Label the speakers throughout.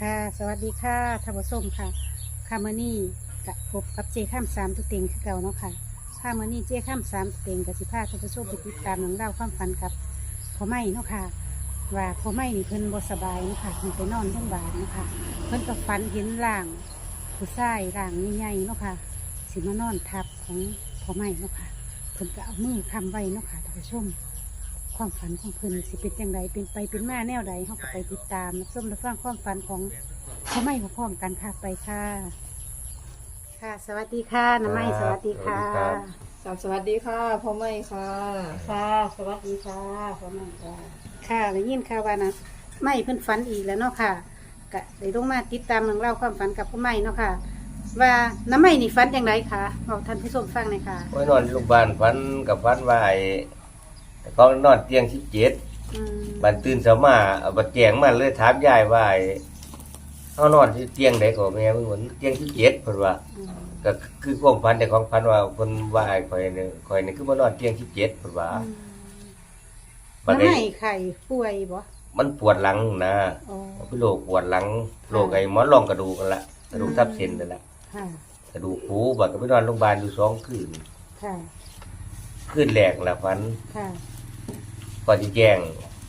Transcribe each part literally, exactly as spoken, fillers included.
Speaker 1: ค่ะสวัสดีค่ะท่านผู้ชมค่ะค่ะมื้อนี้กับพบกับเจข้ามสามตัวเต็งคือเก่าเนาะค่ะค่ะมื้อนี้เจข้ามสามตัวเต็งกับสิพาท่านผู้ชมไปติดตามหนังเล่าความฝันกับพ่อไม่เนาะค่ะว่าพ่อไม่นี่เพิ่นบ่สบายเนาะค่ะเพิ่นไปนอนโรงพยาบาลเนาะค่ะเพิ่นก็ฝันเห็นร่างผู้ชายร่างใหญ่ๆเนาะค่ะสิมานอนทับของพ่อไม่เนาะค่ะเพิ่นก็เอามือค้ำไว้เนาะค่ะท่านผู้ชม ความฝันของเพิ่นสิเป็นอย่างไรเป็นไปเป็นมาแนวใดเขาก็ไปติดตามรับชมรับฟังความฝันของพ่อไม่พร้อมกันค่ะไปค่ะ ค่ะ สวัสดีค่ะน้ำไม้สวัสดีค่ะ
Speaker 2: ครับสวัสดีค่ะพ่อไม่ค่ะ
Speaker 1: ค่ะ สวัสดีค่ะพ่อไม่ค่ะค่ะได้ยินค่ะว่านะไม่เพิ่นฝันอีกแล้วเนาะค่ะก็ได้ลงมาติดตามเรื่องเล่าวความฝันกับพ่อไม่เนาะค่ะ ว่าน้ำไม้นี่ฝันอย่างไรคะบอกท่านผู้ชมฟังหน่อยค่ะ
Speaker 3: โอ้ยนอนโรงพยาบาลฝันกับฝันว่าไอ้เขานอนเตียงสิบเจ็ด
Speaker 1: อืม
Speaker 3: บันตื่นเช้ามาเอาบัดแจงมาเลยถามยายว่าไอ้เขานอนที่เตียงไหนก็แม่เพิ่นว่าเตียงสิบเจ็ดเพิ่นว่า
Speaker 1: อืม
Speaker 3: ก็คือความฝันแต่ของฝันว่าเพิ่นว่าไอ้ข่อยนี่ข่อยนี่คือมานอนเตียงสิบเจ็ดเพิ่นว่าบัด
Speaker 1: น้ำ
Speaker 3: นี้
Speaker 1: ไม้ไข่ป่วยบ่
Speaker 3: มันปวดหลังนะ
Speaker 1: อ๋อ
Speaker 3: เป็นโรคปวดหลังโรคไอ้หมอนรองกระดูกกันละกระดูกทับเส้นนั่นแหละ
Speaker 1: ค่ะ
Speaker 3: กระดูกหูบัดก็ไปนอนโรงพยาบาลอยู่สองคืน
Speaker 1: ค่ะ
Speaker 3: คืนแรกละฝัน
Speaker 1: ค่ะ
Speaker 3: ก่อนที่แจ้ง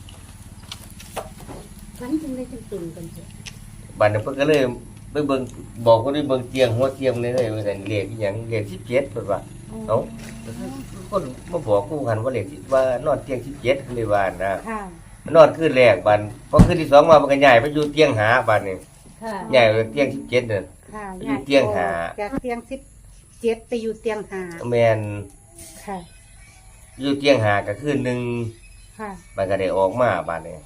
Speaker 1: ฝันจึงได้จึงตุ่นกันเถอะ
Speaker 3: บัดนั้นเพิ่นก็เลยไปเบิ่งบอกคนที่เบิ่งเตียงหัวเตียงนี่เลยว่าซั่นเลขอีหยังเลขสิบเจ็ดเพิ่นว่าเอ้าคนมาบอกกูหันว่าเลขสิว่านอนเตียงสิบเจ็ดเลยว่านะ
Speaker 1: ค่ะ
Speaker 3: นอนคืนแรกบัดพอคืนที่สองมามันก็ย้ายไปอยู่เตียงหาบัดนี่
Speaker 1: ค่ะ
Speaker 3: ย้ายไปเตียงสิบเจ็ดนั่น
Speaker 1: ค่ะ
Speaker 3: อยู่เตียงหา
Speaker 1: จากเตียงสิบเจ็ดไปอยู่เตียงหา
Speaker 3: แม่น
Speaker 1: ค่ะ
Speaker 3: อยู่เตียงหาก็คืนหนึง
Speaker 1: ค่ะ
Speaker 3: มันก็ได้ออกมาบัดนี้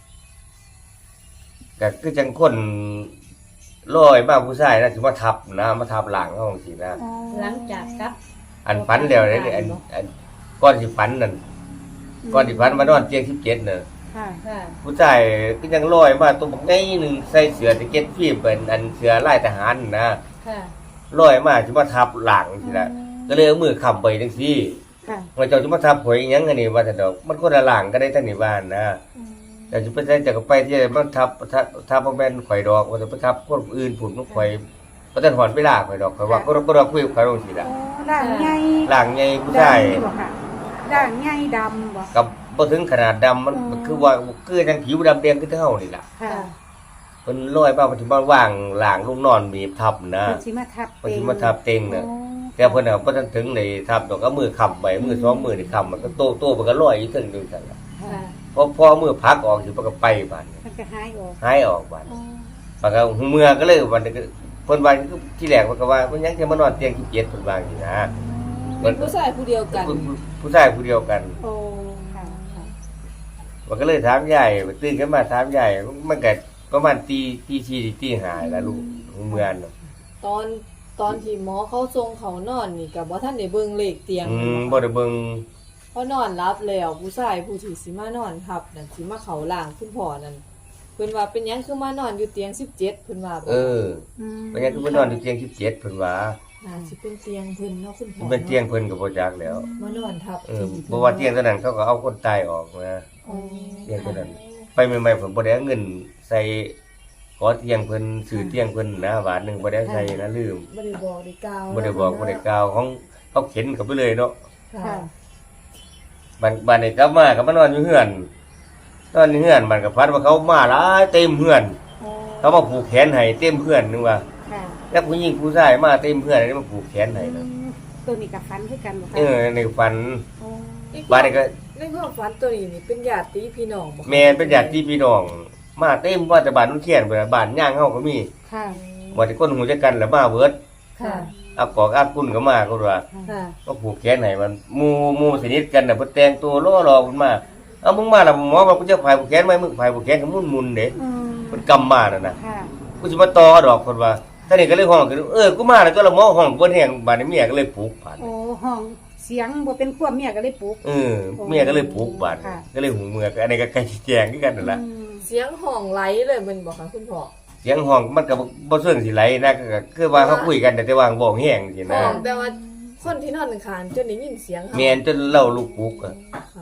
Speaker 3: ก็คือจังคนลอยมาผู้ชายนะสิมาทับนะมาทับหลังเฮาจังซี่นะ
Speaker 4: หลังจากกลับ
Speaker 3: อันฝันแล้วเลยอันอันก้อนสิฝันนั่นก้อนสิฝันมานอนเตียงสิบเจ็ดน่ะ
Speaker 1: ค่ะ
Speaker 4: ค่ะ
Speaker 3: ผู้ชายก็ยังลอยมาตัวบักใหญ่หนึงใส่เสื้อแจ็คเก็ตฟิล์มเป็นอันเสื้อลายทหารนะ
Speaker 4: ค่ะ
Speaker 3: ลอยมาสิมาทับหลังสิละก็เลยเอามือค้ำไปจังซี่
Speaker 1: ค่ะ
Speaker 3: ว่าเจ้าสิมาทับหอยอีหยังอันนี้ว่าแต่ดอกมันคนละหลังก็ได้ทั้งนี้บ้านนะแต่สิไปใช้จะก็ไปที่มันทับทับทับบ่แม่นข่อยดอกว่าจะไปทับคนอื่นผุนมันข่อยบ่ทันหอนเวลาข่อยดอกข่อยว่าก็ก็คุยกับข่อยจังซี่ล่ะ
Speaker 1: โอ้ด่างใหญ่
Speaker 3: หลังใหญ่ผู้ชาย
Speaker 1: ดำบ่ค่ะด่างใหญ่ดำบ่
Speaker 3: กับบ่ถึงขนาดดำมัน
Speaker 1: อืม
Speaker 3: คือว่าคือจังผิวดำแดงคือเท่านี่ล่ะ
Speaker 1: ค่ะ
Speaker 3: เพิ่นลอยมาเพิ่นสิมาว่างหลางลงนอนบีบทับนะ
Speaker 1: เพิ่นสิมาทับ
Speaker 3: เพิ่นสิมาทับเต็งน่ะ
Speaker 1: โอ้
Speaker 3: แต่เพิ่นน่ะบ่ทันถึงได้ทับดอกก็มือค้ำไว้มือสองมือนี่ค้ำมันก็โตโตมันก็ลอยอยู่ถึงนึงซั่นล่ะ
Speaker 1: ค่ะ
Speaker 4: ค่ะ
Speaker 3: พอพอมือพักออกสิมันก็ไปบาดนี้
Speaker 1: มันก็หายออก
Speaker 3: หายออกบาด
Speaker 1: โอ้
Speaker 3: ปากก็หูเมื่อก็เลยวันนี้ก็เพิ่นว่าที่แรกเพิ่นก็ว่าเพิ่นยังจะมานอนเตียงสิบเจ็ดเพิ่นว่าอย่างนี้นะ
Speaker 2: เป็นผู้ชายผู้เดียวกัน
Speaker 3: ผู้ผู้ชายผู้เดียวกัน
Speaker 1: โอ้ค่ะค่ะ
Speaker 3: มันก็เลยถามยายตื่นขึ้นมาถามยายมันก็ประมาณตีตีสี่ตีห้าแล้วลูกหูเมื่อน่ะ
Speaker 2: ตอนตอนที่หมอเขาทรงเขานอนนี่กับว่าท่านได้เบิ่งเลขเตียง
Speaker 3: อืมบ่ได้เบิ่ง
Speaker 2: พอนอนรับแล้วผู้ชายผู้ที่สิมานอนทับนั่นสิมาเขาล่างคุณพ่อนั่นเพิ่นว่าเป็นหยังคือมานอนอยู่เตียงสิบเจ็ดเพิ่นว่าบ่
Speaker 3: เออ
Speaker 1: อืม
Speaker 3: เพราะงั้นก็ไปนอนอยู่เตียงสิบเจ็ดเพิ่นว่า
Speaker 2: น่าสิเป็นเตียงเพิ่นเนาะคุณพ่อ
Speaker 3: มันเป็นเตียงเพิ่นก็บ่จักแล้ว
Speaker 2: มานอนทับ
Speaker 3: เออบ่ว่าเตียงตัวนั้นเขาก็เอาคนตายออกนะ
Speaker 2: อ๋อ
Speaker 3: เตียงตัวนั้น ไปใหม่ๆผมบ่ได้เอาเงินใส่ขอเตียงเพิ่นซื้อเตียงเพิ่นนะบาทหนึงบ่ได้ใส่นะลืม
Speaker 2: บ่ได้บอกได้กล่าว
Speaker 3: บ่ได้บอกบ่ได้กล่าวของเขาเข็นเข้าไปเลยเนาะ
Speaker 2: ค่ะ
Speaker 1: ค่ะ
Speaker 3: บัดบัดนี้กลับมาก็มานอนอยู่เฮือนนอนอยู่เฮือนมันก็พัดว่าเขามาหลายเต็มเฮือน
Speaker 1: โอ้
Speaker 3: เขามาผูกแขนให้เต็มเฮือนนึงว่า
Speaker 1: ค่ะ
Speaker 3: แล้วผู้หญิงผู้ชายมาเต็มเฮือนนี่มาผูกแขนให้
Speaker 1: อื
Speaker 3: นะ
Speaker 1: มตัวนี้กับฟันคือกันบ่คะ
Speaker 3: เออในฝัน
Speaker 1: โอ้
Speaker 3: บัดนี้ก็
Speaker 2: ในความฝันตัวนี้นี่เป็นญาติพี่น้องบ่คะ
Speaker 3: แม่เป็นญาติพี่น้อง มาเต็มว่าแต่บ้านนุ่นเขียนเบิดบ้านย่างเฮาก็มี
Speaker 1: ค่ะ
Speaker 3: บ่ที่คนหูจักกันแล้วมาเบิด
Speaker 2: ค่ะ
Speaker 3: อักกอกอักกุนก็มาก็ว่า
Speaker 2: ค่ะ
Speaker 3: ก็ผูกแขนให้มันหมู่หมู่สนิทกันน่ะเพิ่นแต่งตัวล้อรอเพิ่นมาเอามึงมาแล้วหมอว่ากูจะพายผูกแขนไหมมึงพายผูกแขนก็มุนๆเด้
Speaker 1: อืม
Speaker 3: เพิ่นกำมานั่นน่ะ
Speaker 1: ค่ะ
Speaker 3: กูสิมาต่อดอกเพิ่นว่าท่านนี่ก็เลยห้องขึ้นเออกูมาแล้วตัวละหมอห้องเพิ่นแห้งบาดนี้เมียก็เลยปลุกบาด
Speaker 1: โอ้ห้องเสียงบ่เป็นควบเมียก็เลยปลุก
Speaker 3: เออเมียก็เลยปลุกบาด
Speaker 1: ค่ะ
Speaker 3: ก็เลยหูเมือก็อันนี้ก็ใกล้สิแจ้งคือกันนั่นล่ะ
Speaker 1: อืม
Speaker 2: เสียงห้องไหลเลยแมันบ่คะคุณพ่อ
Speaker 3: เสียงห้องมันก็บ่บ่เชิงสิไหลนะก็ก็คือว่าเขาคุยกันแต่แต่ว่าบ่แห้งสิ
Speaker 2: ห้
Speaker 3: นะ
Speaker 2: องแต่ว่าคนที่นอนข้างๆจนได้ยินเสียงเขา
Speaker 3: แม่นจนเล่าลูกปลุกอะ
Speaker 2: ค่ะ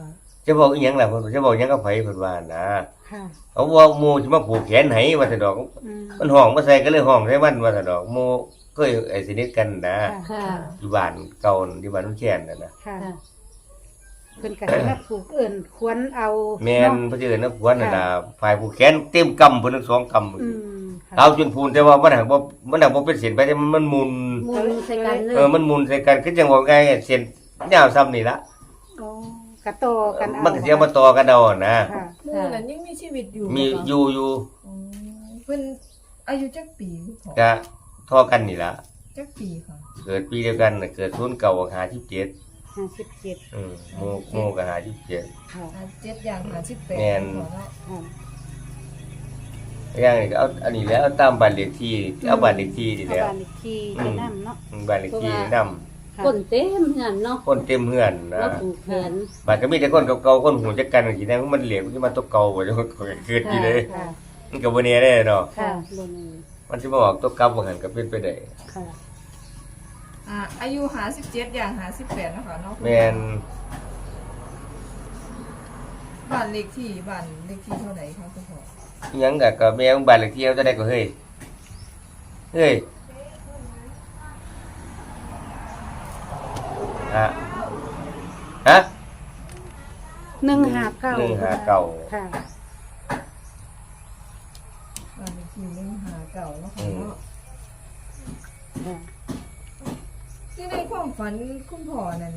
Speaker 3: จะบอกอีหยังล่ะเพิ่นจะบอกหยังกับไผเพิ่นว่านะ
Speaker 1: ค่ะ
Speaker 3: เอาว่าหมู่สิมาผูกแขนให้ว่าซั่นดอก
Speaker 1: อืม
Speaker 3: มันห้องมาใส่ก็เลยห้องใส่มันว่าซั่นดอกหมู่เคยไอ้สนิทกันนะ
Speaker 1: ค่ะ
Speaker 4: ค่ะ
Speaker 3: อยู่บ้านเก่าอยู่บ้านนุ่นแคนนั่นน่ะ
Speaker 1: ค่ะ
Speaker 4: ค่ะ
Speaker 1: เพิ่นก็ให้มาผูกเอิ้นควรเอา
Speaker 3: แม่น
Speaker 1: เนาะ
Speaker 3: เพิ่นสิเอิ้นนะผัวนั่นน่ะฝ่ายผูกแขนเต็มกำเพิ่นทั้งสองกำ
Speaker 1: อืมค่ะ
Speaker 3: เอาจนพูนแต่ว่ามันหักบ่มันหักบ่เป็นเส้นไปแต่มันมันหมุน
Speaker 4: มูลใส่กันเล
Speaker 3: เอย อมันหมุนใส่กันคือจังว่าไงเส้นยาวซ้ำนี่ละ
Speaker 1: อ๋อ กระโตอกันเอา
Speaker 3: มันก็สิเอามาต่อกันเอานะ
Speaker 1: ค่ะ
Speaker 2: หมู่นั้นยังมีชีวิตอยู่
Speaker 3: มี
Speaker 2: บ่คะ
Speaker 3: อยู่อยู่
Speaker 2: อ๋อเพิ่นอายุจักปีคุณพ่อ
Speaker 3: ก็เท่อกันนี่ละ
Speaker 2: จักปีค่ะ
Speaker 3: เกิดปีเดียวกันน่ะเกิดศูนย์เก่าห้าสิบเจ็ด
Speaker 1: ห้าสิบเจ็ด
Speaker 3: อืมโมโมก็ห้าสิบเจ็ด
Speaker 1: ค่ะ
Speaker 2: ห้าเจ็ดอย่างห้าสิบแปด
Speaker 3: แม่น
Speaker 2: คุณพ่อเนาะ
Speaker 1: ค่ะ
Speaker 3: อย่างนี้ก็เอาอันนี้แล้วเอาตามบ้านเลขที่เอาบ้านเลขที่นี่
Speaker 1: เอา
Speaker 3: แล้ว
Speaker 1: บ้านอีกทีไปนำเนาะ
Speaker 3: อืมบ้านเลขที่นำ
Speaker 1: ค่ะ
Speaker 4: คนเต็มเหือนเนาะ
Speaker 3: คนเต็มเฮือนนะ
Speaker 4: ว่าผูกแขน
Speaker 3: บ้านก็มีแต่คนเก่าๆคนหูจักกันสินะมันเหลวมันสิมาตกเก่าบ่จังเกิดอยู่เลย
Speaker 1: ค่ะ
Speaker 3: มันก็บ่แน่ได้เนาะ
Speaker 1: ค่ะ
Speaker 4: บนนี้
Speaker 3: มันสิมาออกตกกลับว่าหั่นก็เป็นไปได้
Speaker 1: ค่ะ
Speaker 2: อ่าอายุห้าสิบเจ็ดอย่างห้าสิบแปดเนาะคะเนาะคุณพ่อ
Speaker 3: แม่น
Speaker 2: บ้านเลขที่บ้านเลขที่เท่าไหร่คะคุณพ่อ
Speaker 3: อิหยังก็ก็แม่ของบ้านเลขที่เอาจะได้ก็เฮ้ยเฮ้ยฮะฮะ
Speaker 1: หนึ่งห้าเก้า
Speaker 3: หนึ่งห้าเก้า
Speaker 1: ค่ะ
Speaker 2: บ้านเลขที่หนึ่งห้าเก้าเนาะ
Speaker 3: อื
Speaker 2: คะ
Speaker 3: ม
Speaker 2: เนาะ
Speaker 1: ค่ะ
Speaker 2: ที่ในความฝันคุณพ่อนั้น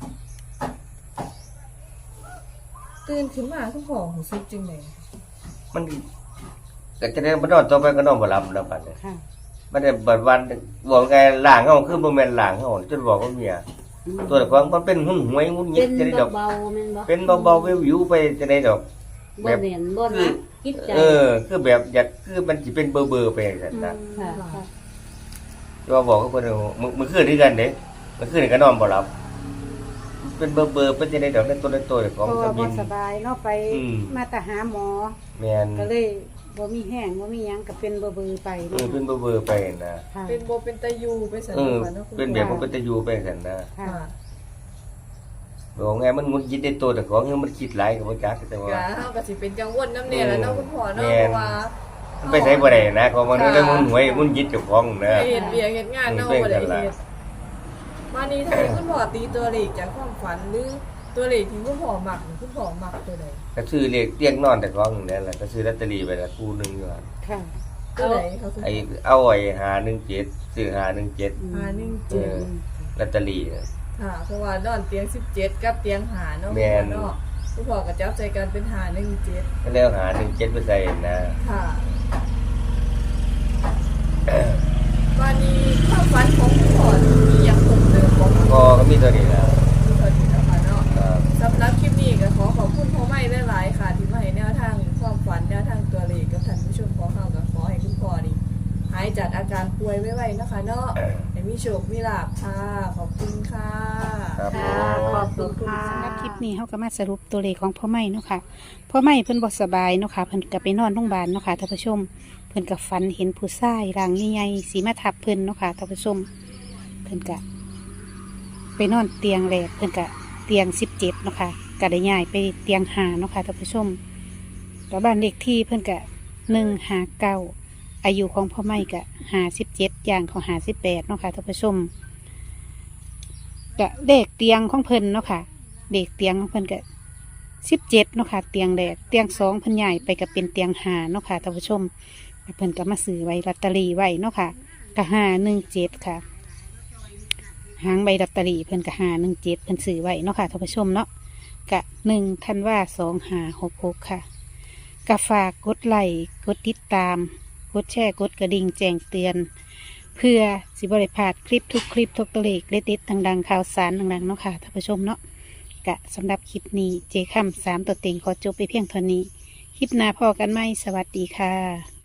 Speaker 2: ตื่นขึ้นมาคุณพ่อรู้สึกจังได๋
Speaker 3: มันก็จะได้บ่นอนต่อไปก็นอนบ่หลับแล้วบัดนี้
Speaker 1: ค่ะ
Speaker 3: มันได้เบิดวันบอกไงล่างเฮาคือบ่แม่นล่างเฮาจนบอกว่าเมียตัวละครมันเป็นหุ่นหวยหุ่นยิ
Speaker 4: เป็
Speaker 3: ด
Speaker 4: น
Speaker 3: จะได้ดอก
Speaker 4: เบาๆแม่นบ่
Speaker 3: เป็นเบาๆวิวๆไปจะได้ดอก
Speaker 4: บ่เหม็นบ่หนักคิดใจ
Speaker 3: เออ คือแบบอยากคือมันสิเป็นเบอร์ๆไปจังซั่นนะ
Speaker 4: ค่ะ
Speaker 1: ค่ะ
Speaker 3: ว่าบอกกับเพิ่นว่ามึงมึงคืนด้วยกันเด้มันคืนนี่ก็นอนบ่หลับ เป็นเบอร์เบอร์เป็นจะได้ดอกในตัวในตัวของ
Speaker 1: เพราะ
Speaker 3: ส
Speaker 1: ว่า
Speaker 3: มิ
Speaker 1: บ่
Speaker 3: น
Speaker 1: สบายเนาะไป
Speaker 3: อืม
Speaker 1: มาแต่หาหมอ
Speaker 3: แม่น
Speaker 1: ก็เลยบ่มีแห้งบ่มีหยังก็เป็นเบอร์ๆไป
Speaker 3: เอ
Speaker 1: เนาะ
Speaker 3: อเป็นเบอร์เบอร์ไปนะ
Speaker 1: ค่ะ
Speaker 2: เป็นบ่เป็นตะยูไปซั่น
Speaker 3: เออ
Speaker 2: เนาะค่ะเนาะคุณ
Speaker 3: เป็นแบบมันเป็นตะยูไปซั่นนะ
Speaker 1: ค่ะ
Speaker 2: ค่ะ
Speaker 3: บอกไงมันงุนคิดในตัวแต่ของเฮามันคิดหลายก็บ่จักแต่ว่า
Speaker 2: ก็เฮาก็สิเป็นกังวลนำแน่แหล้วเนาะคุณพ่อเนาะ
Speaker 3: แม่
Speaker 2: เพ
Speaker 3: น
Speaker 2: ราะว่า
Speaker 3: มันไปใช้บ่ได้นะของมันได้งุนหวยงุนยิดเจ้าของนะ
Speaker 2: เฮ็ดเวียกเฮ็ดงานเนาะ
Speaker 3: อืม
Speaker 2: บ่ได้
Speaker 3: เป็นกัน
Speaker 2: เฮ็
Speaker 3: ล่ะ
Speaker 2: ดมานี่ถ้าให้คุณพ่อตีตัวเลขจากความฝันหรือตัวเลขที่คุณพ่อมักนี่คุณพ่อมักตัวใด
Speaker 3: ก็ซื้อเลขเตียงนอนแต่ของนั่นแหละก็ซื้อลอตเตอรี่ไปละคู่หนึงอยู่หั่น
Speaker 1: ค่ะ
Speaker 2: ตัวใดคะคุณ
Speaker 3: ไอ้เอาไอ้ห้าหนึ่งเจ็ดซื้อห้าหนึ่งเจ็ด
Speaker 2: ห้าหนึ่ง
Speaker 3: เอ
Speaker 2: เจ็ด
Speaker 3: อลอตเตอรี่น่ะ
Speaker 2: ค่ะเพราะว่านอนเตียงสิบเจ็ดกับเตียงหาเนาะ
Speaker 3: แม่น
Speaker 2: เนาะคุณพ่อก็จับใจกันเป็นหาหนึ่งเจ็ด
Speaker 3: ก็แล้วหาหนึ่งเจ็ดไปใส่นะ
Speaker 2: ค่ะวันนี้ความฝันของคุณพ่อมีอย่างคงเดิมบ่
Speaker 3: ก็ก็มีตัวนี้แหล้ว
Speaker 2: มีเท่านี้นะคะเนาะ
Speaker 3: ครับ
Speaker 2: สำหรับคลิปนี้ก็ขอขอบคุณพ่อไม่หลายๆค่ะ ที่มาให้แนวทางความฝันแนวทางตัวเลขกับท่านผู้ชมของเราก็ขอให้คุณพ่อนี่หายจากอาการป่วยไวๆนะคะเนาะให้มีโชคมีลาภค่ะ ขอบคุณค่ะ
Speaker 3: ครับ
Speaker 4: ค่ะขอบคุณค่ะ
Speaker 1: สำหรับคลิปนี้เขาก็มาสรุปตัวเลขของพ่อไม่เนาะค่ะพ่อไม่เพิ่นบ่สบายเนาะค่ะเพิ่นก็ไปนอนโรงพยาบาลเนาะค่ะท่านผู้ชม เพิ่นก็ฝันเห็นผู้ชายร่างใหญ่ๆสีมาทับเพิ่นเนาะค่ะท่านผู้ชม เพิ่นก็ไปนอนเตียงแรกเพิ่นก็เตียงสิบเจ็ดเนาะค่ะก็ได้ย้ายไปเตียงห้าเนาะค่ะท่านผู้ชมแล้วบ้านเลขที่เพิ่นก็หนึ่งห้าเก้าอายุของพ่อไม่ก็ห้าสิบเจ็ดอย่างของห้าสิบแปดเนาะค่ะท่านผู้ชม ก็เด็กเตียงของเพิ่นเนาะค่ะเด็กเตียงของเพิ่นก็สิบเจ็ดเนาะค่ะเตียงแรกเตียงสองเพิ่นใหญ่ไปก็เป็นเตียงหาเนาะค่ะท่านผู้ชมเพิ่นก็มาซื้อไว้ลอตเตอรี่ไว้เนาะค่ะก็ห้าหนึ่งเจ็ดค่ะหางใบลอตเตอรี่เพิ่นก็ห้าหนึ่งเจ็ดเพิ่นซื้อไว้เนาะค่ะท่านผู้ชมเนาะกะหนึ่งธันวาสองห้าหกหกค่ะกะฝากกดไลค์กดติดตามกดแชร์กดกระดิ่งแจ้งเตือน เพื่อสิบริพลาดคลิปทุกคลิปทุกตัวเลขเด็ดๆดังๆข่าวสารดังๆเนาะค่ะท่านผู้ชมเนาะกะสำหรับคลิปนี้เจค่ำสามตัวเต็งขอจบไปเพียงเท่านี้ คลิปหน้าพอกันไหมสวัสดีค่ะ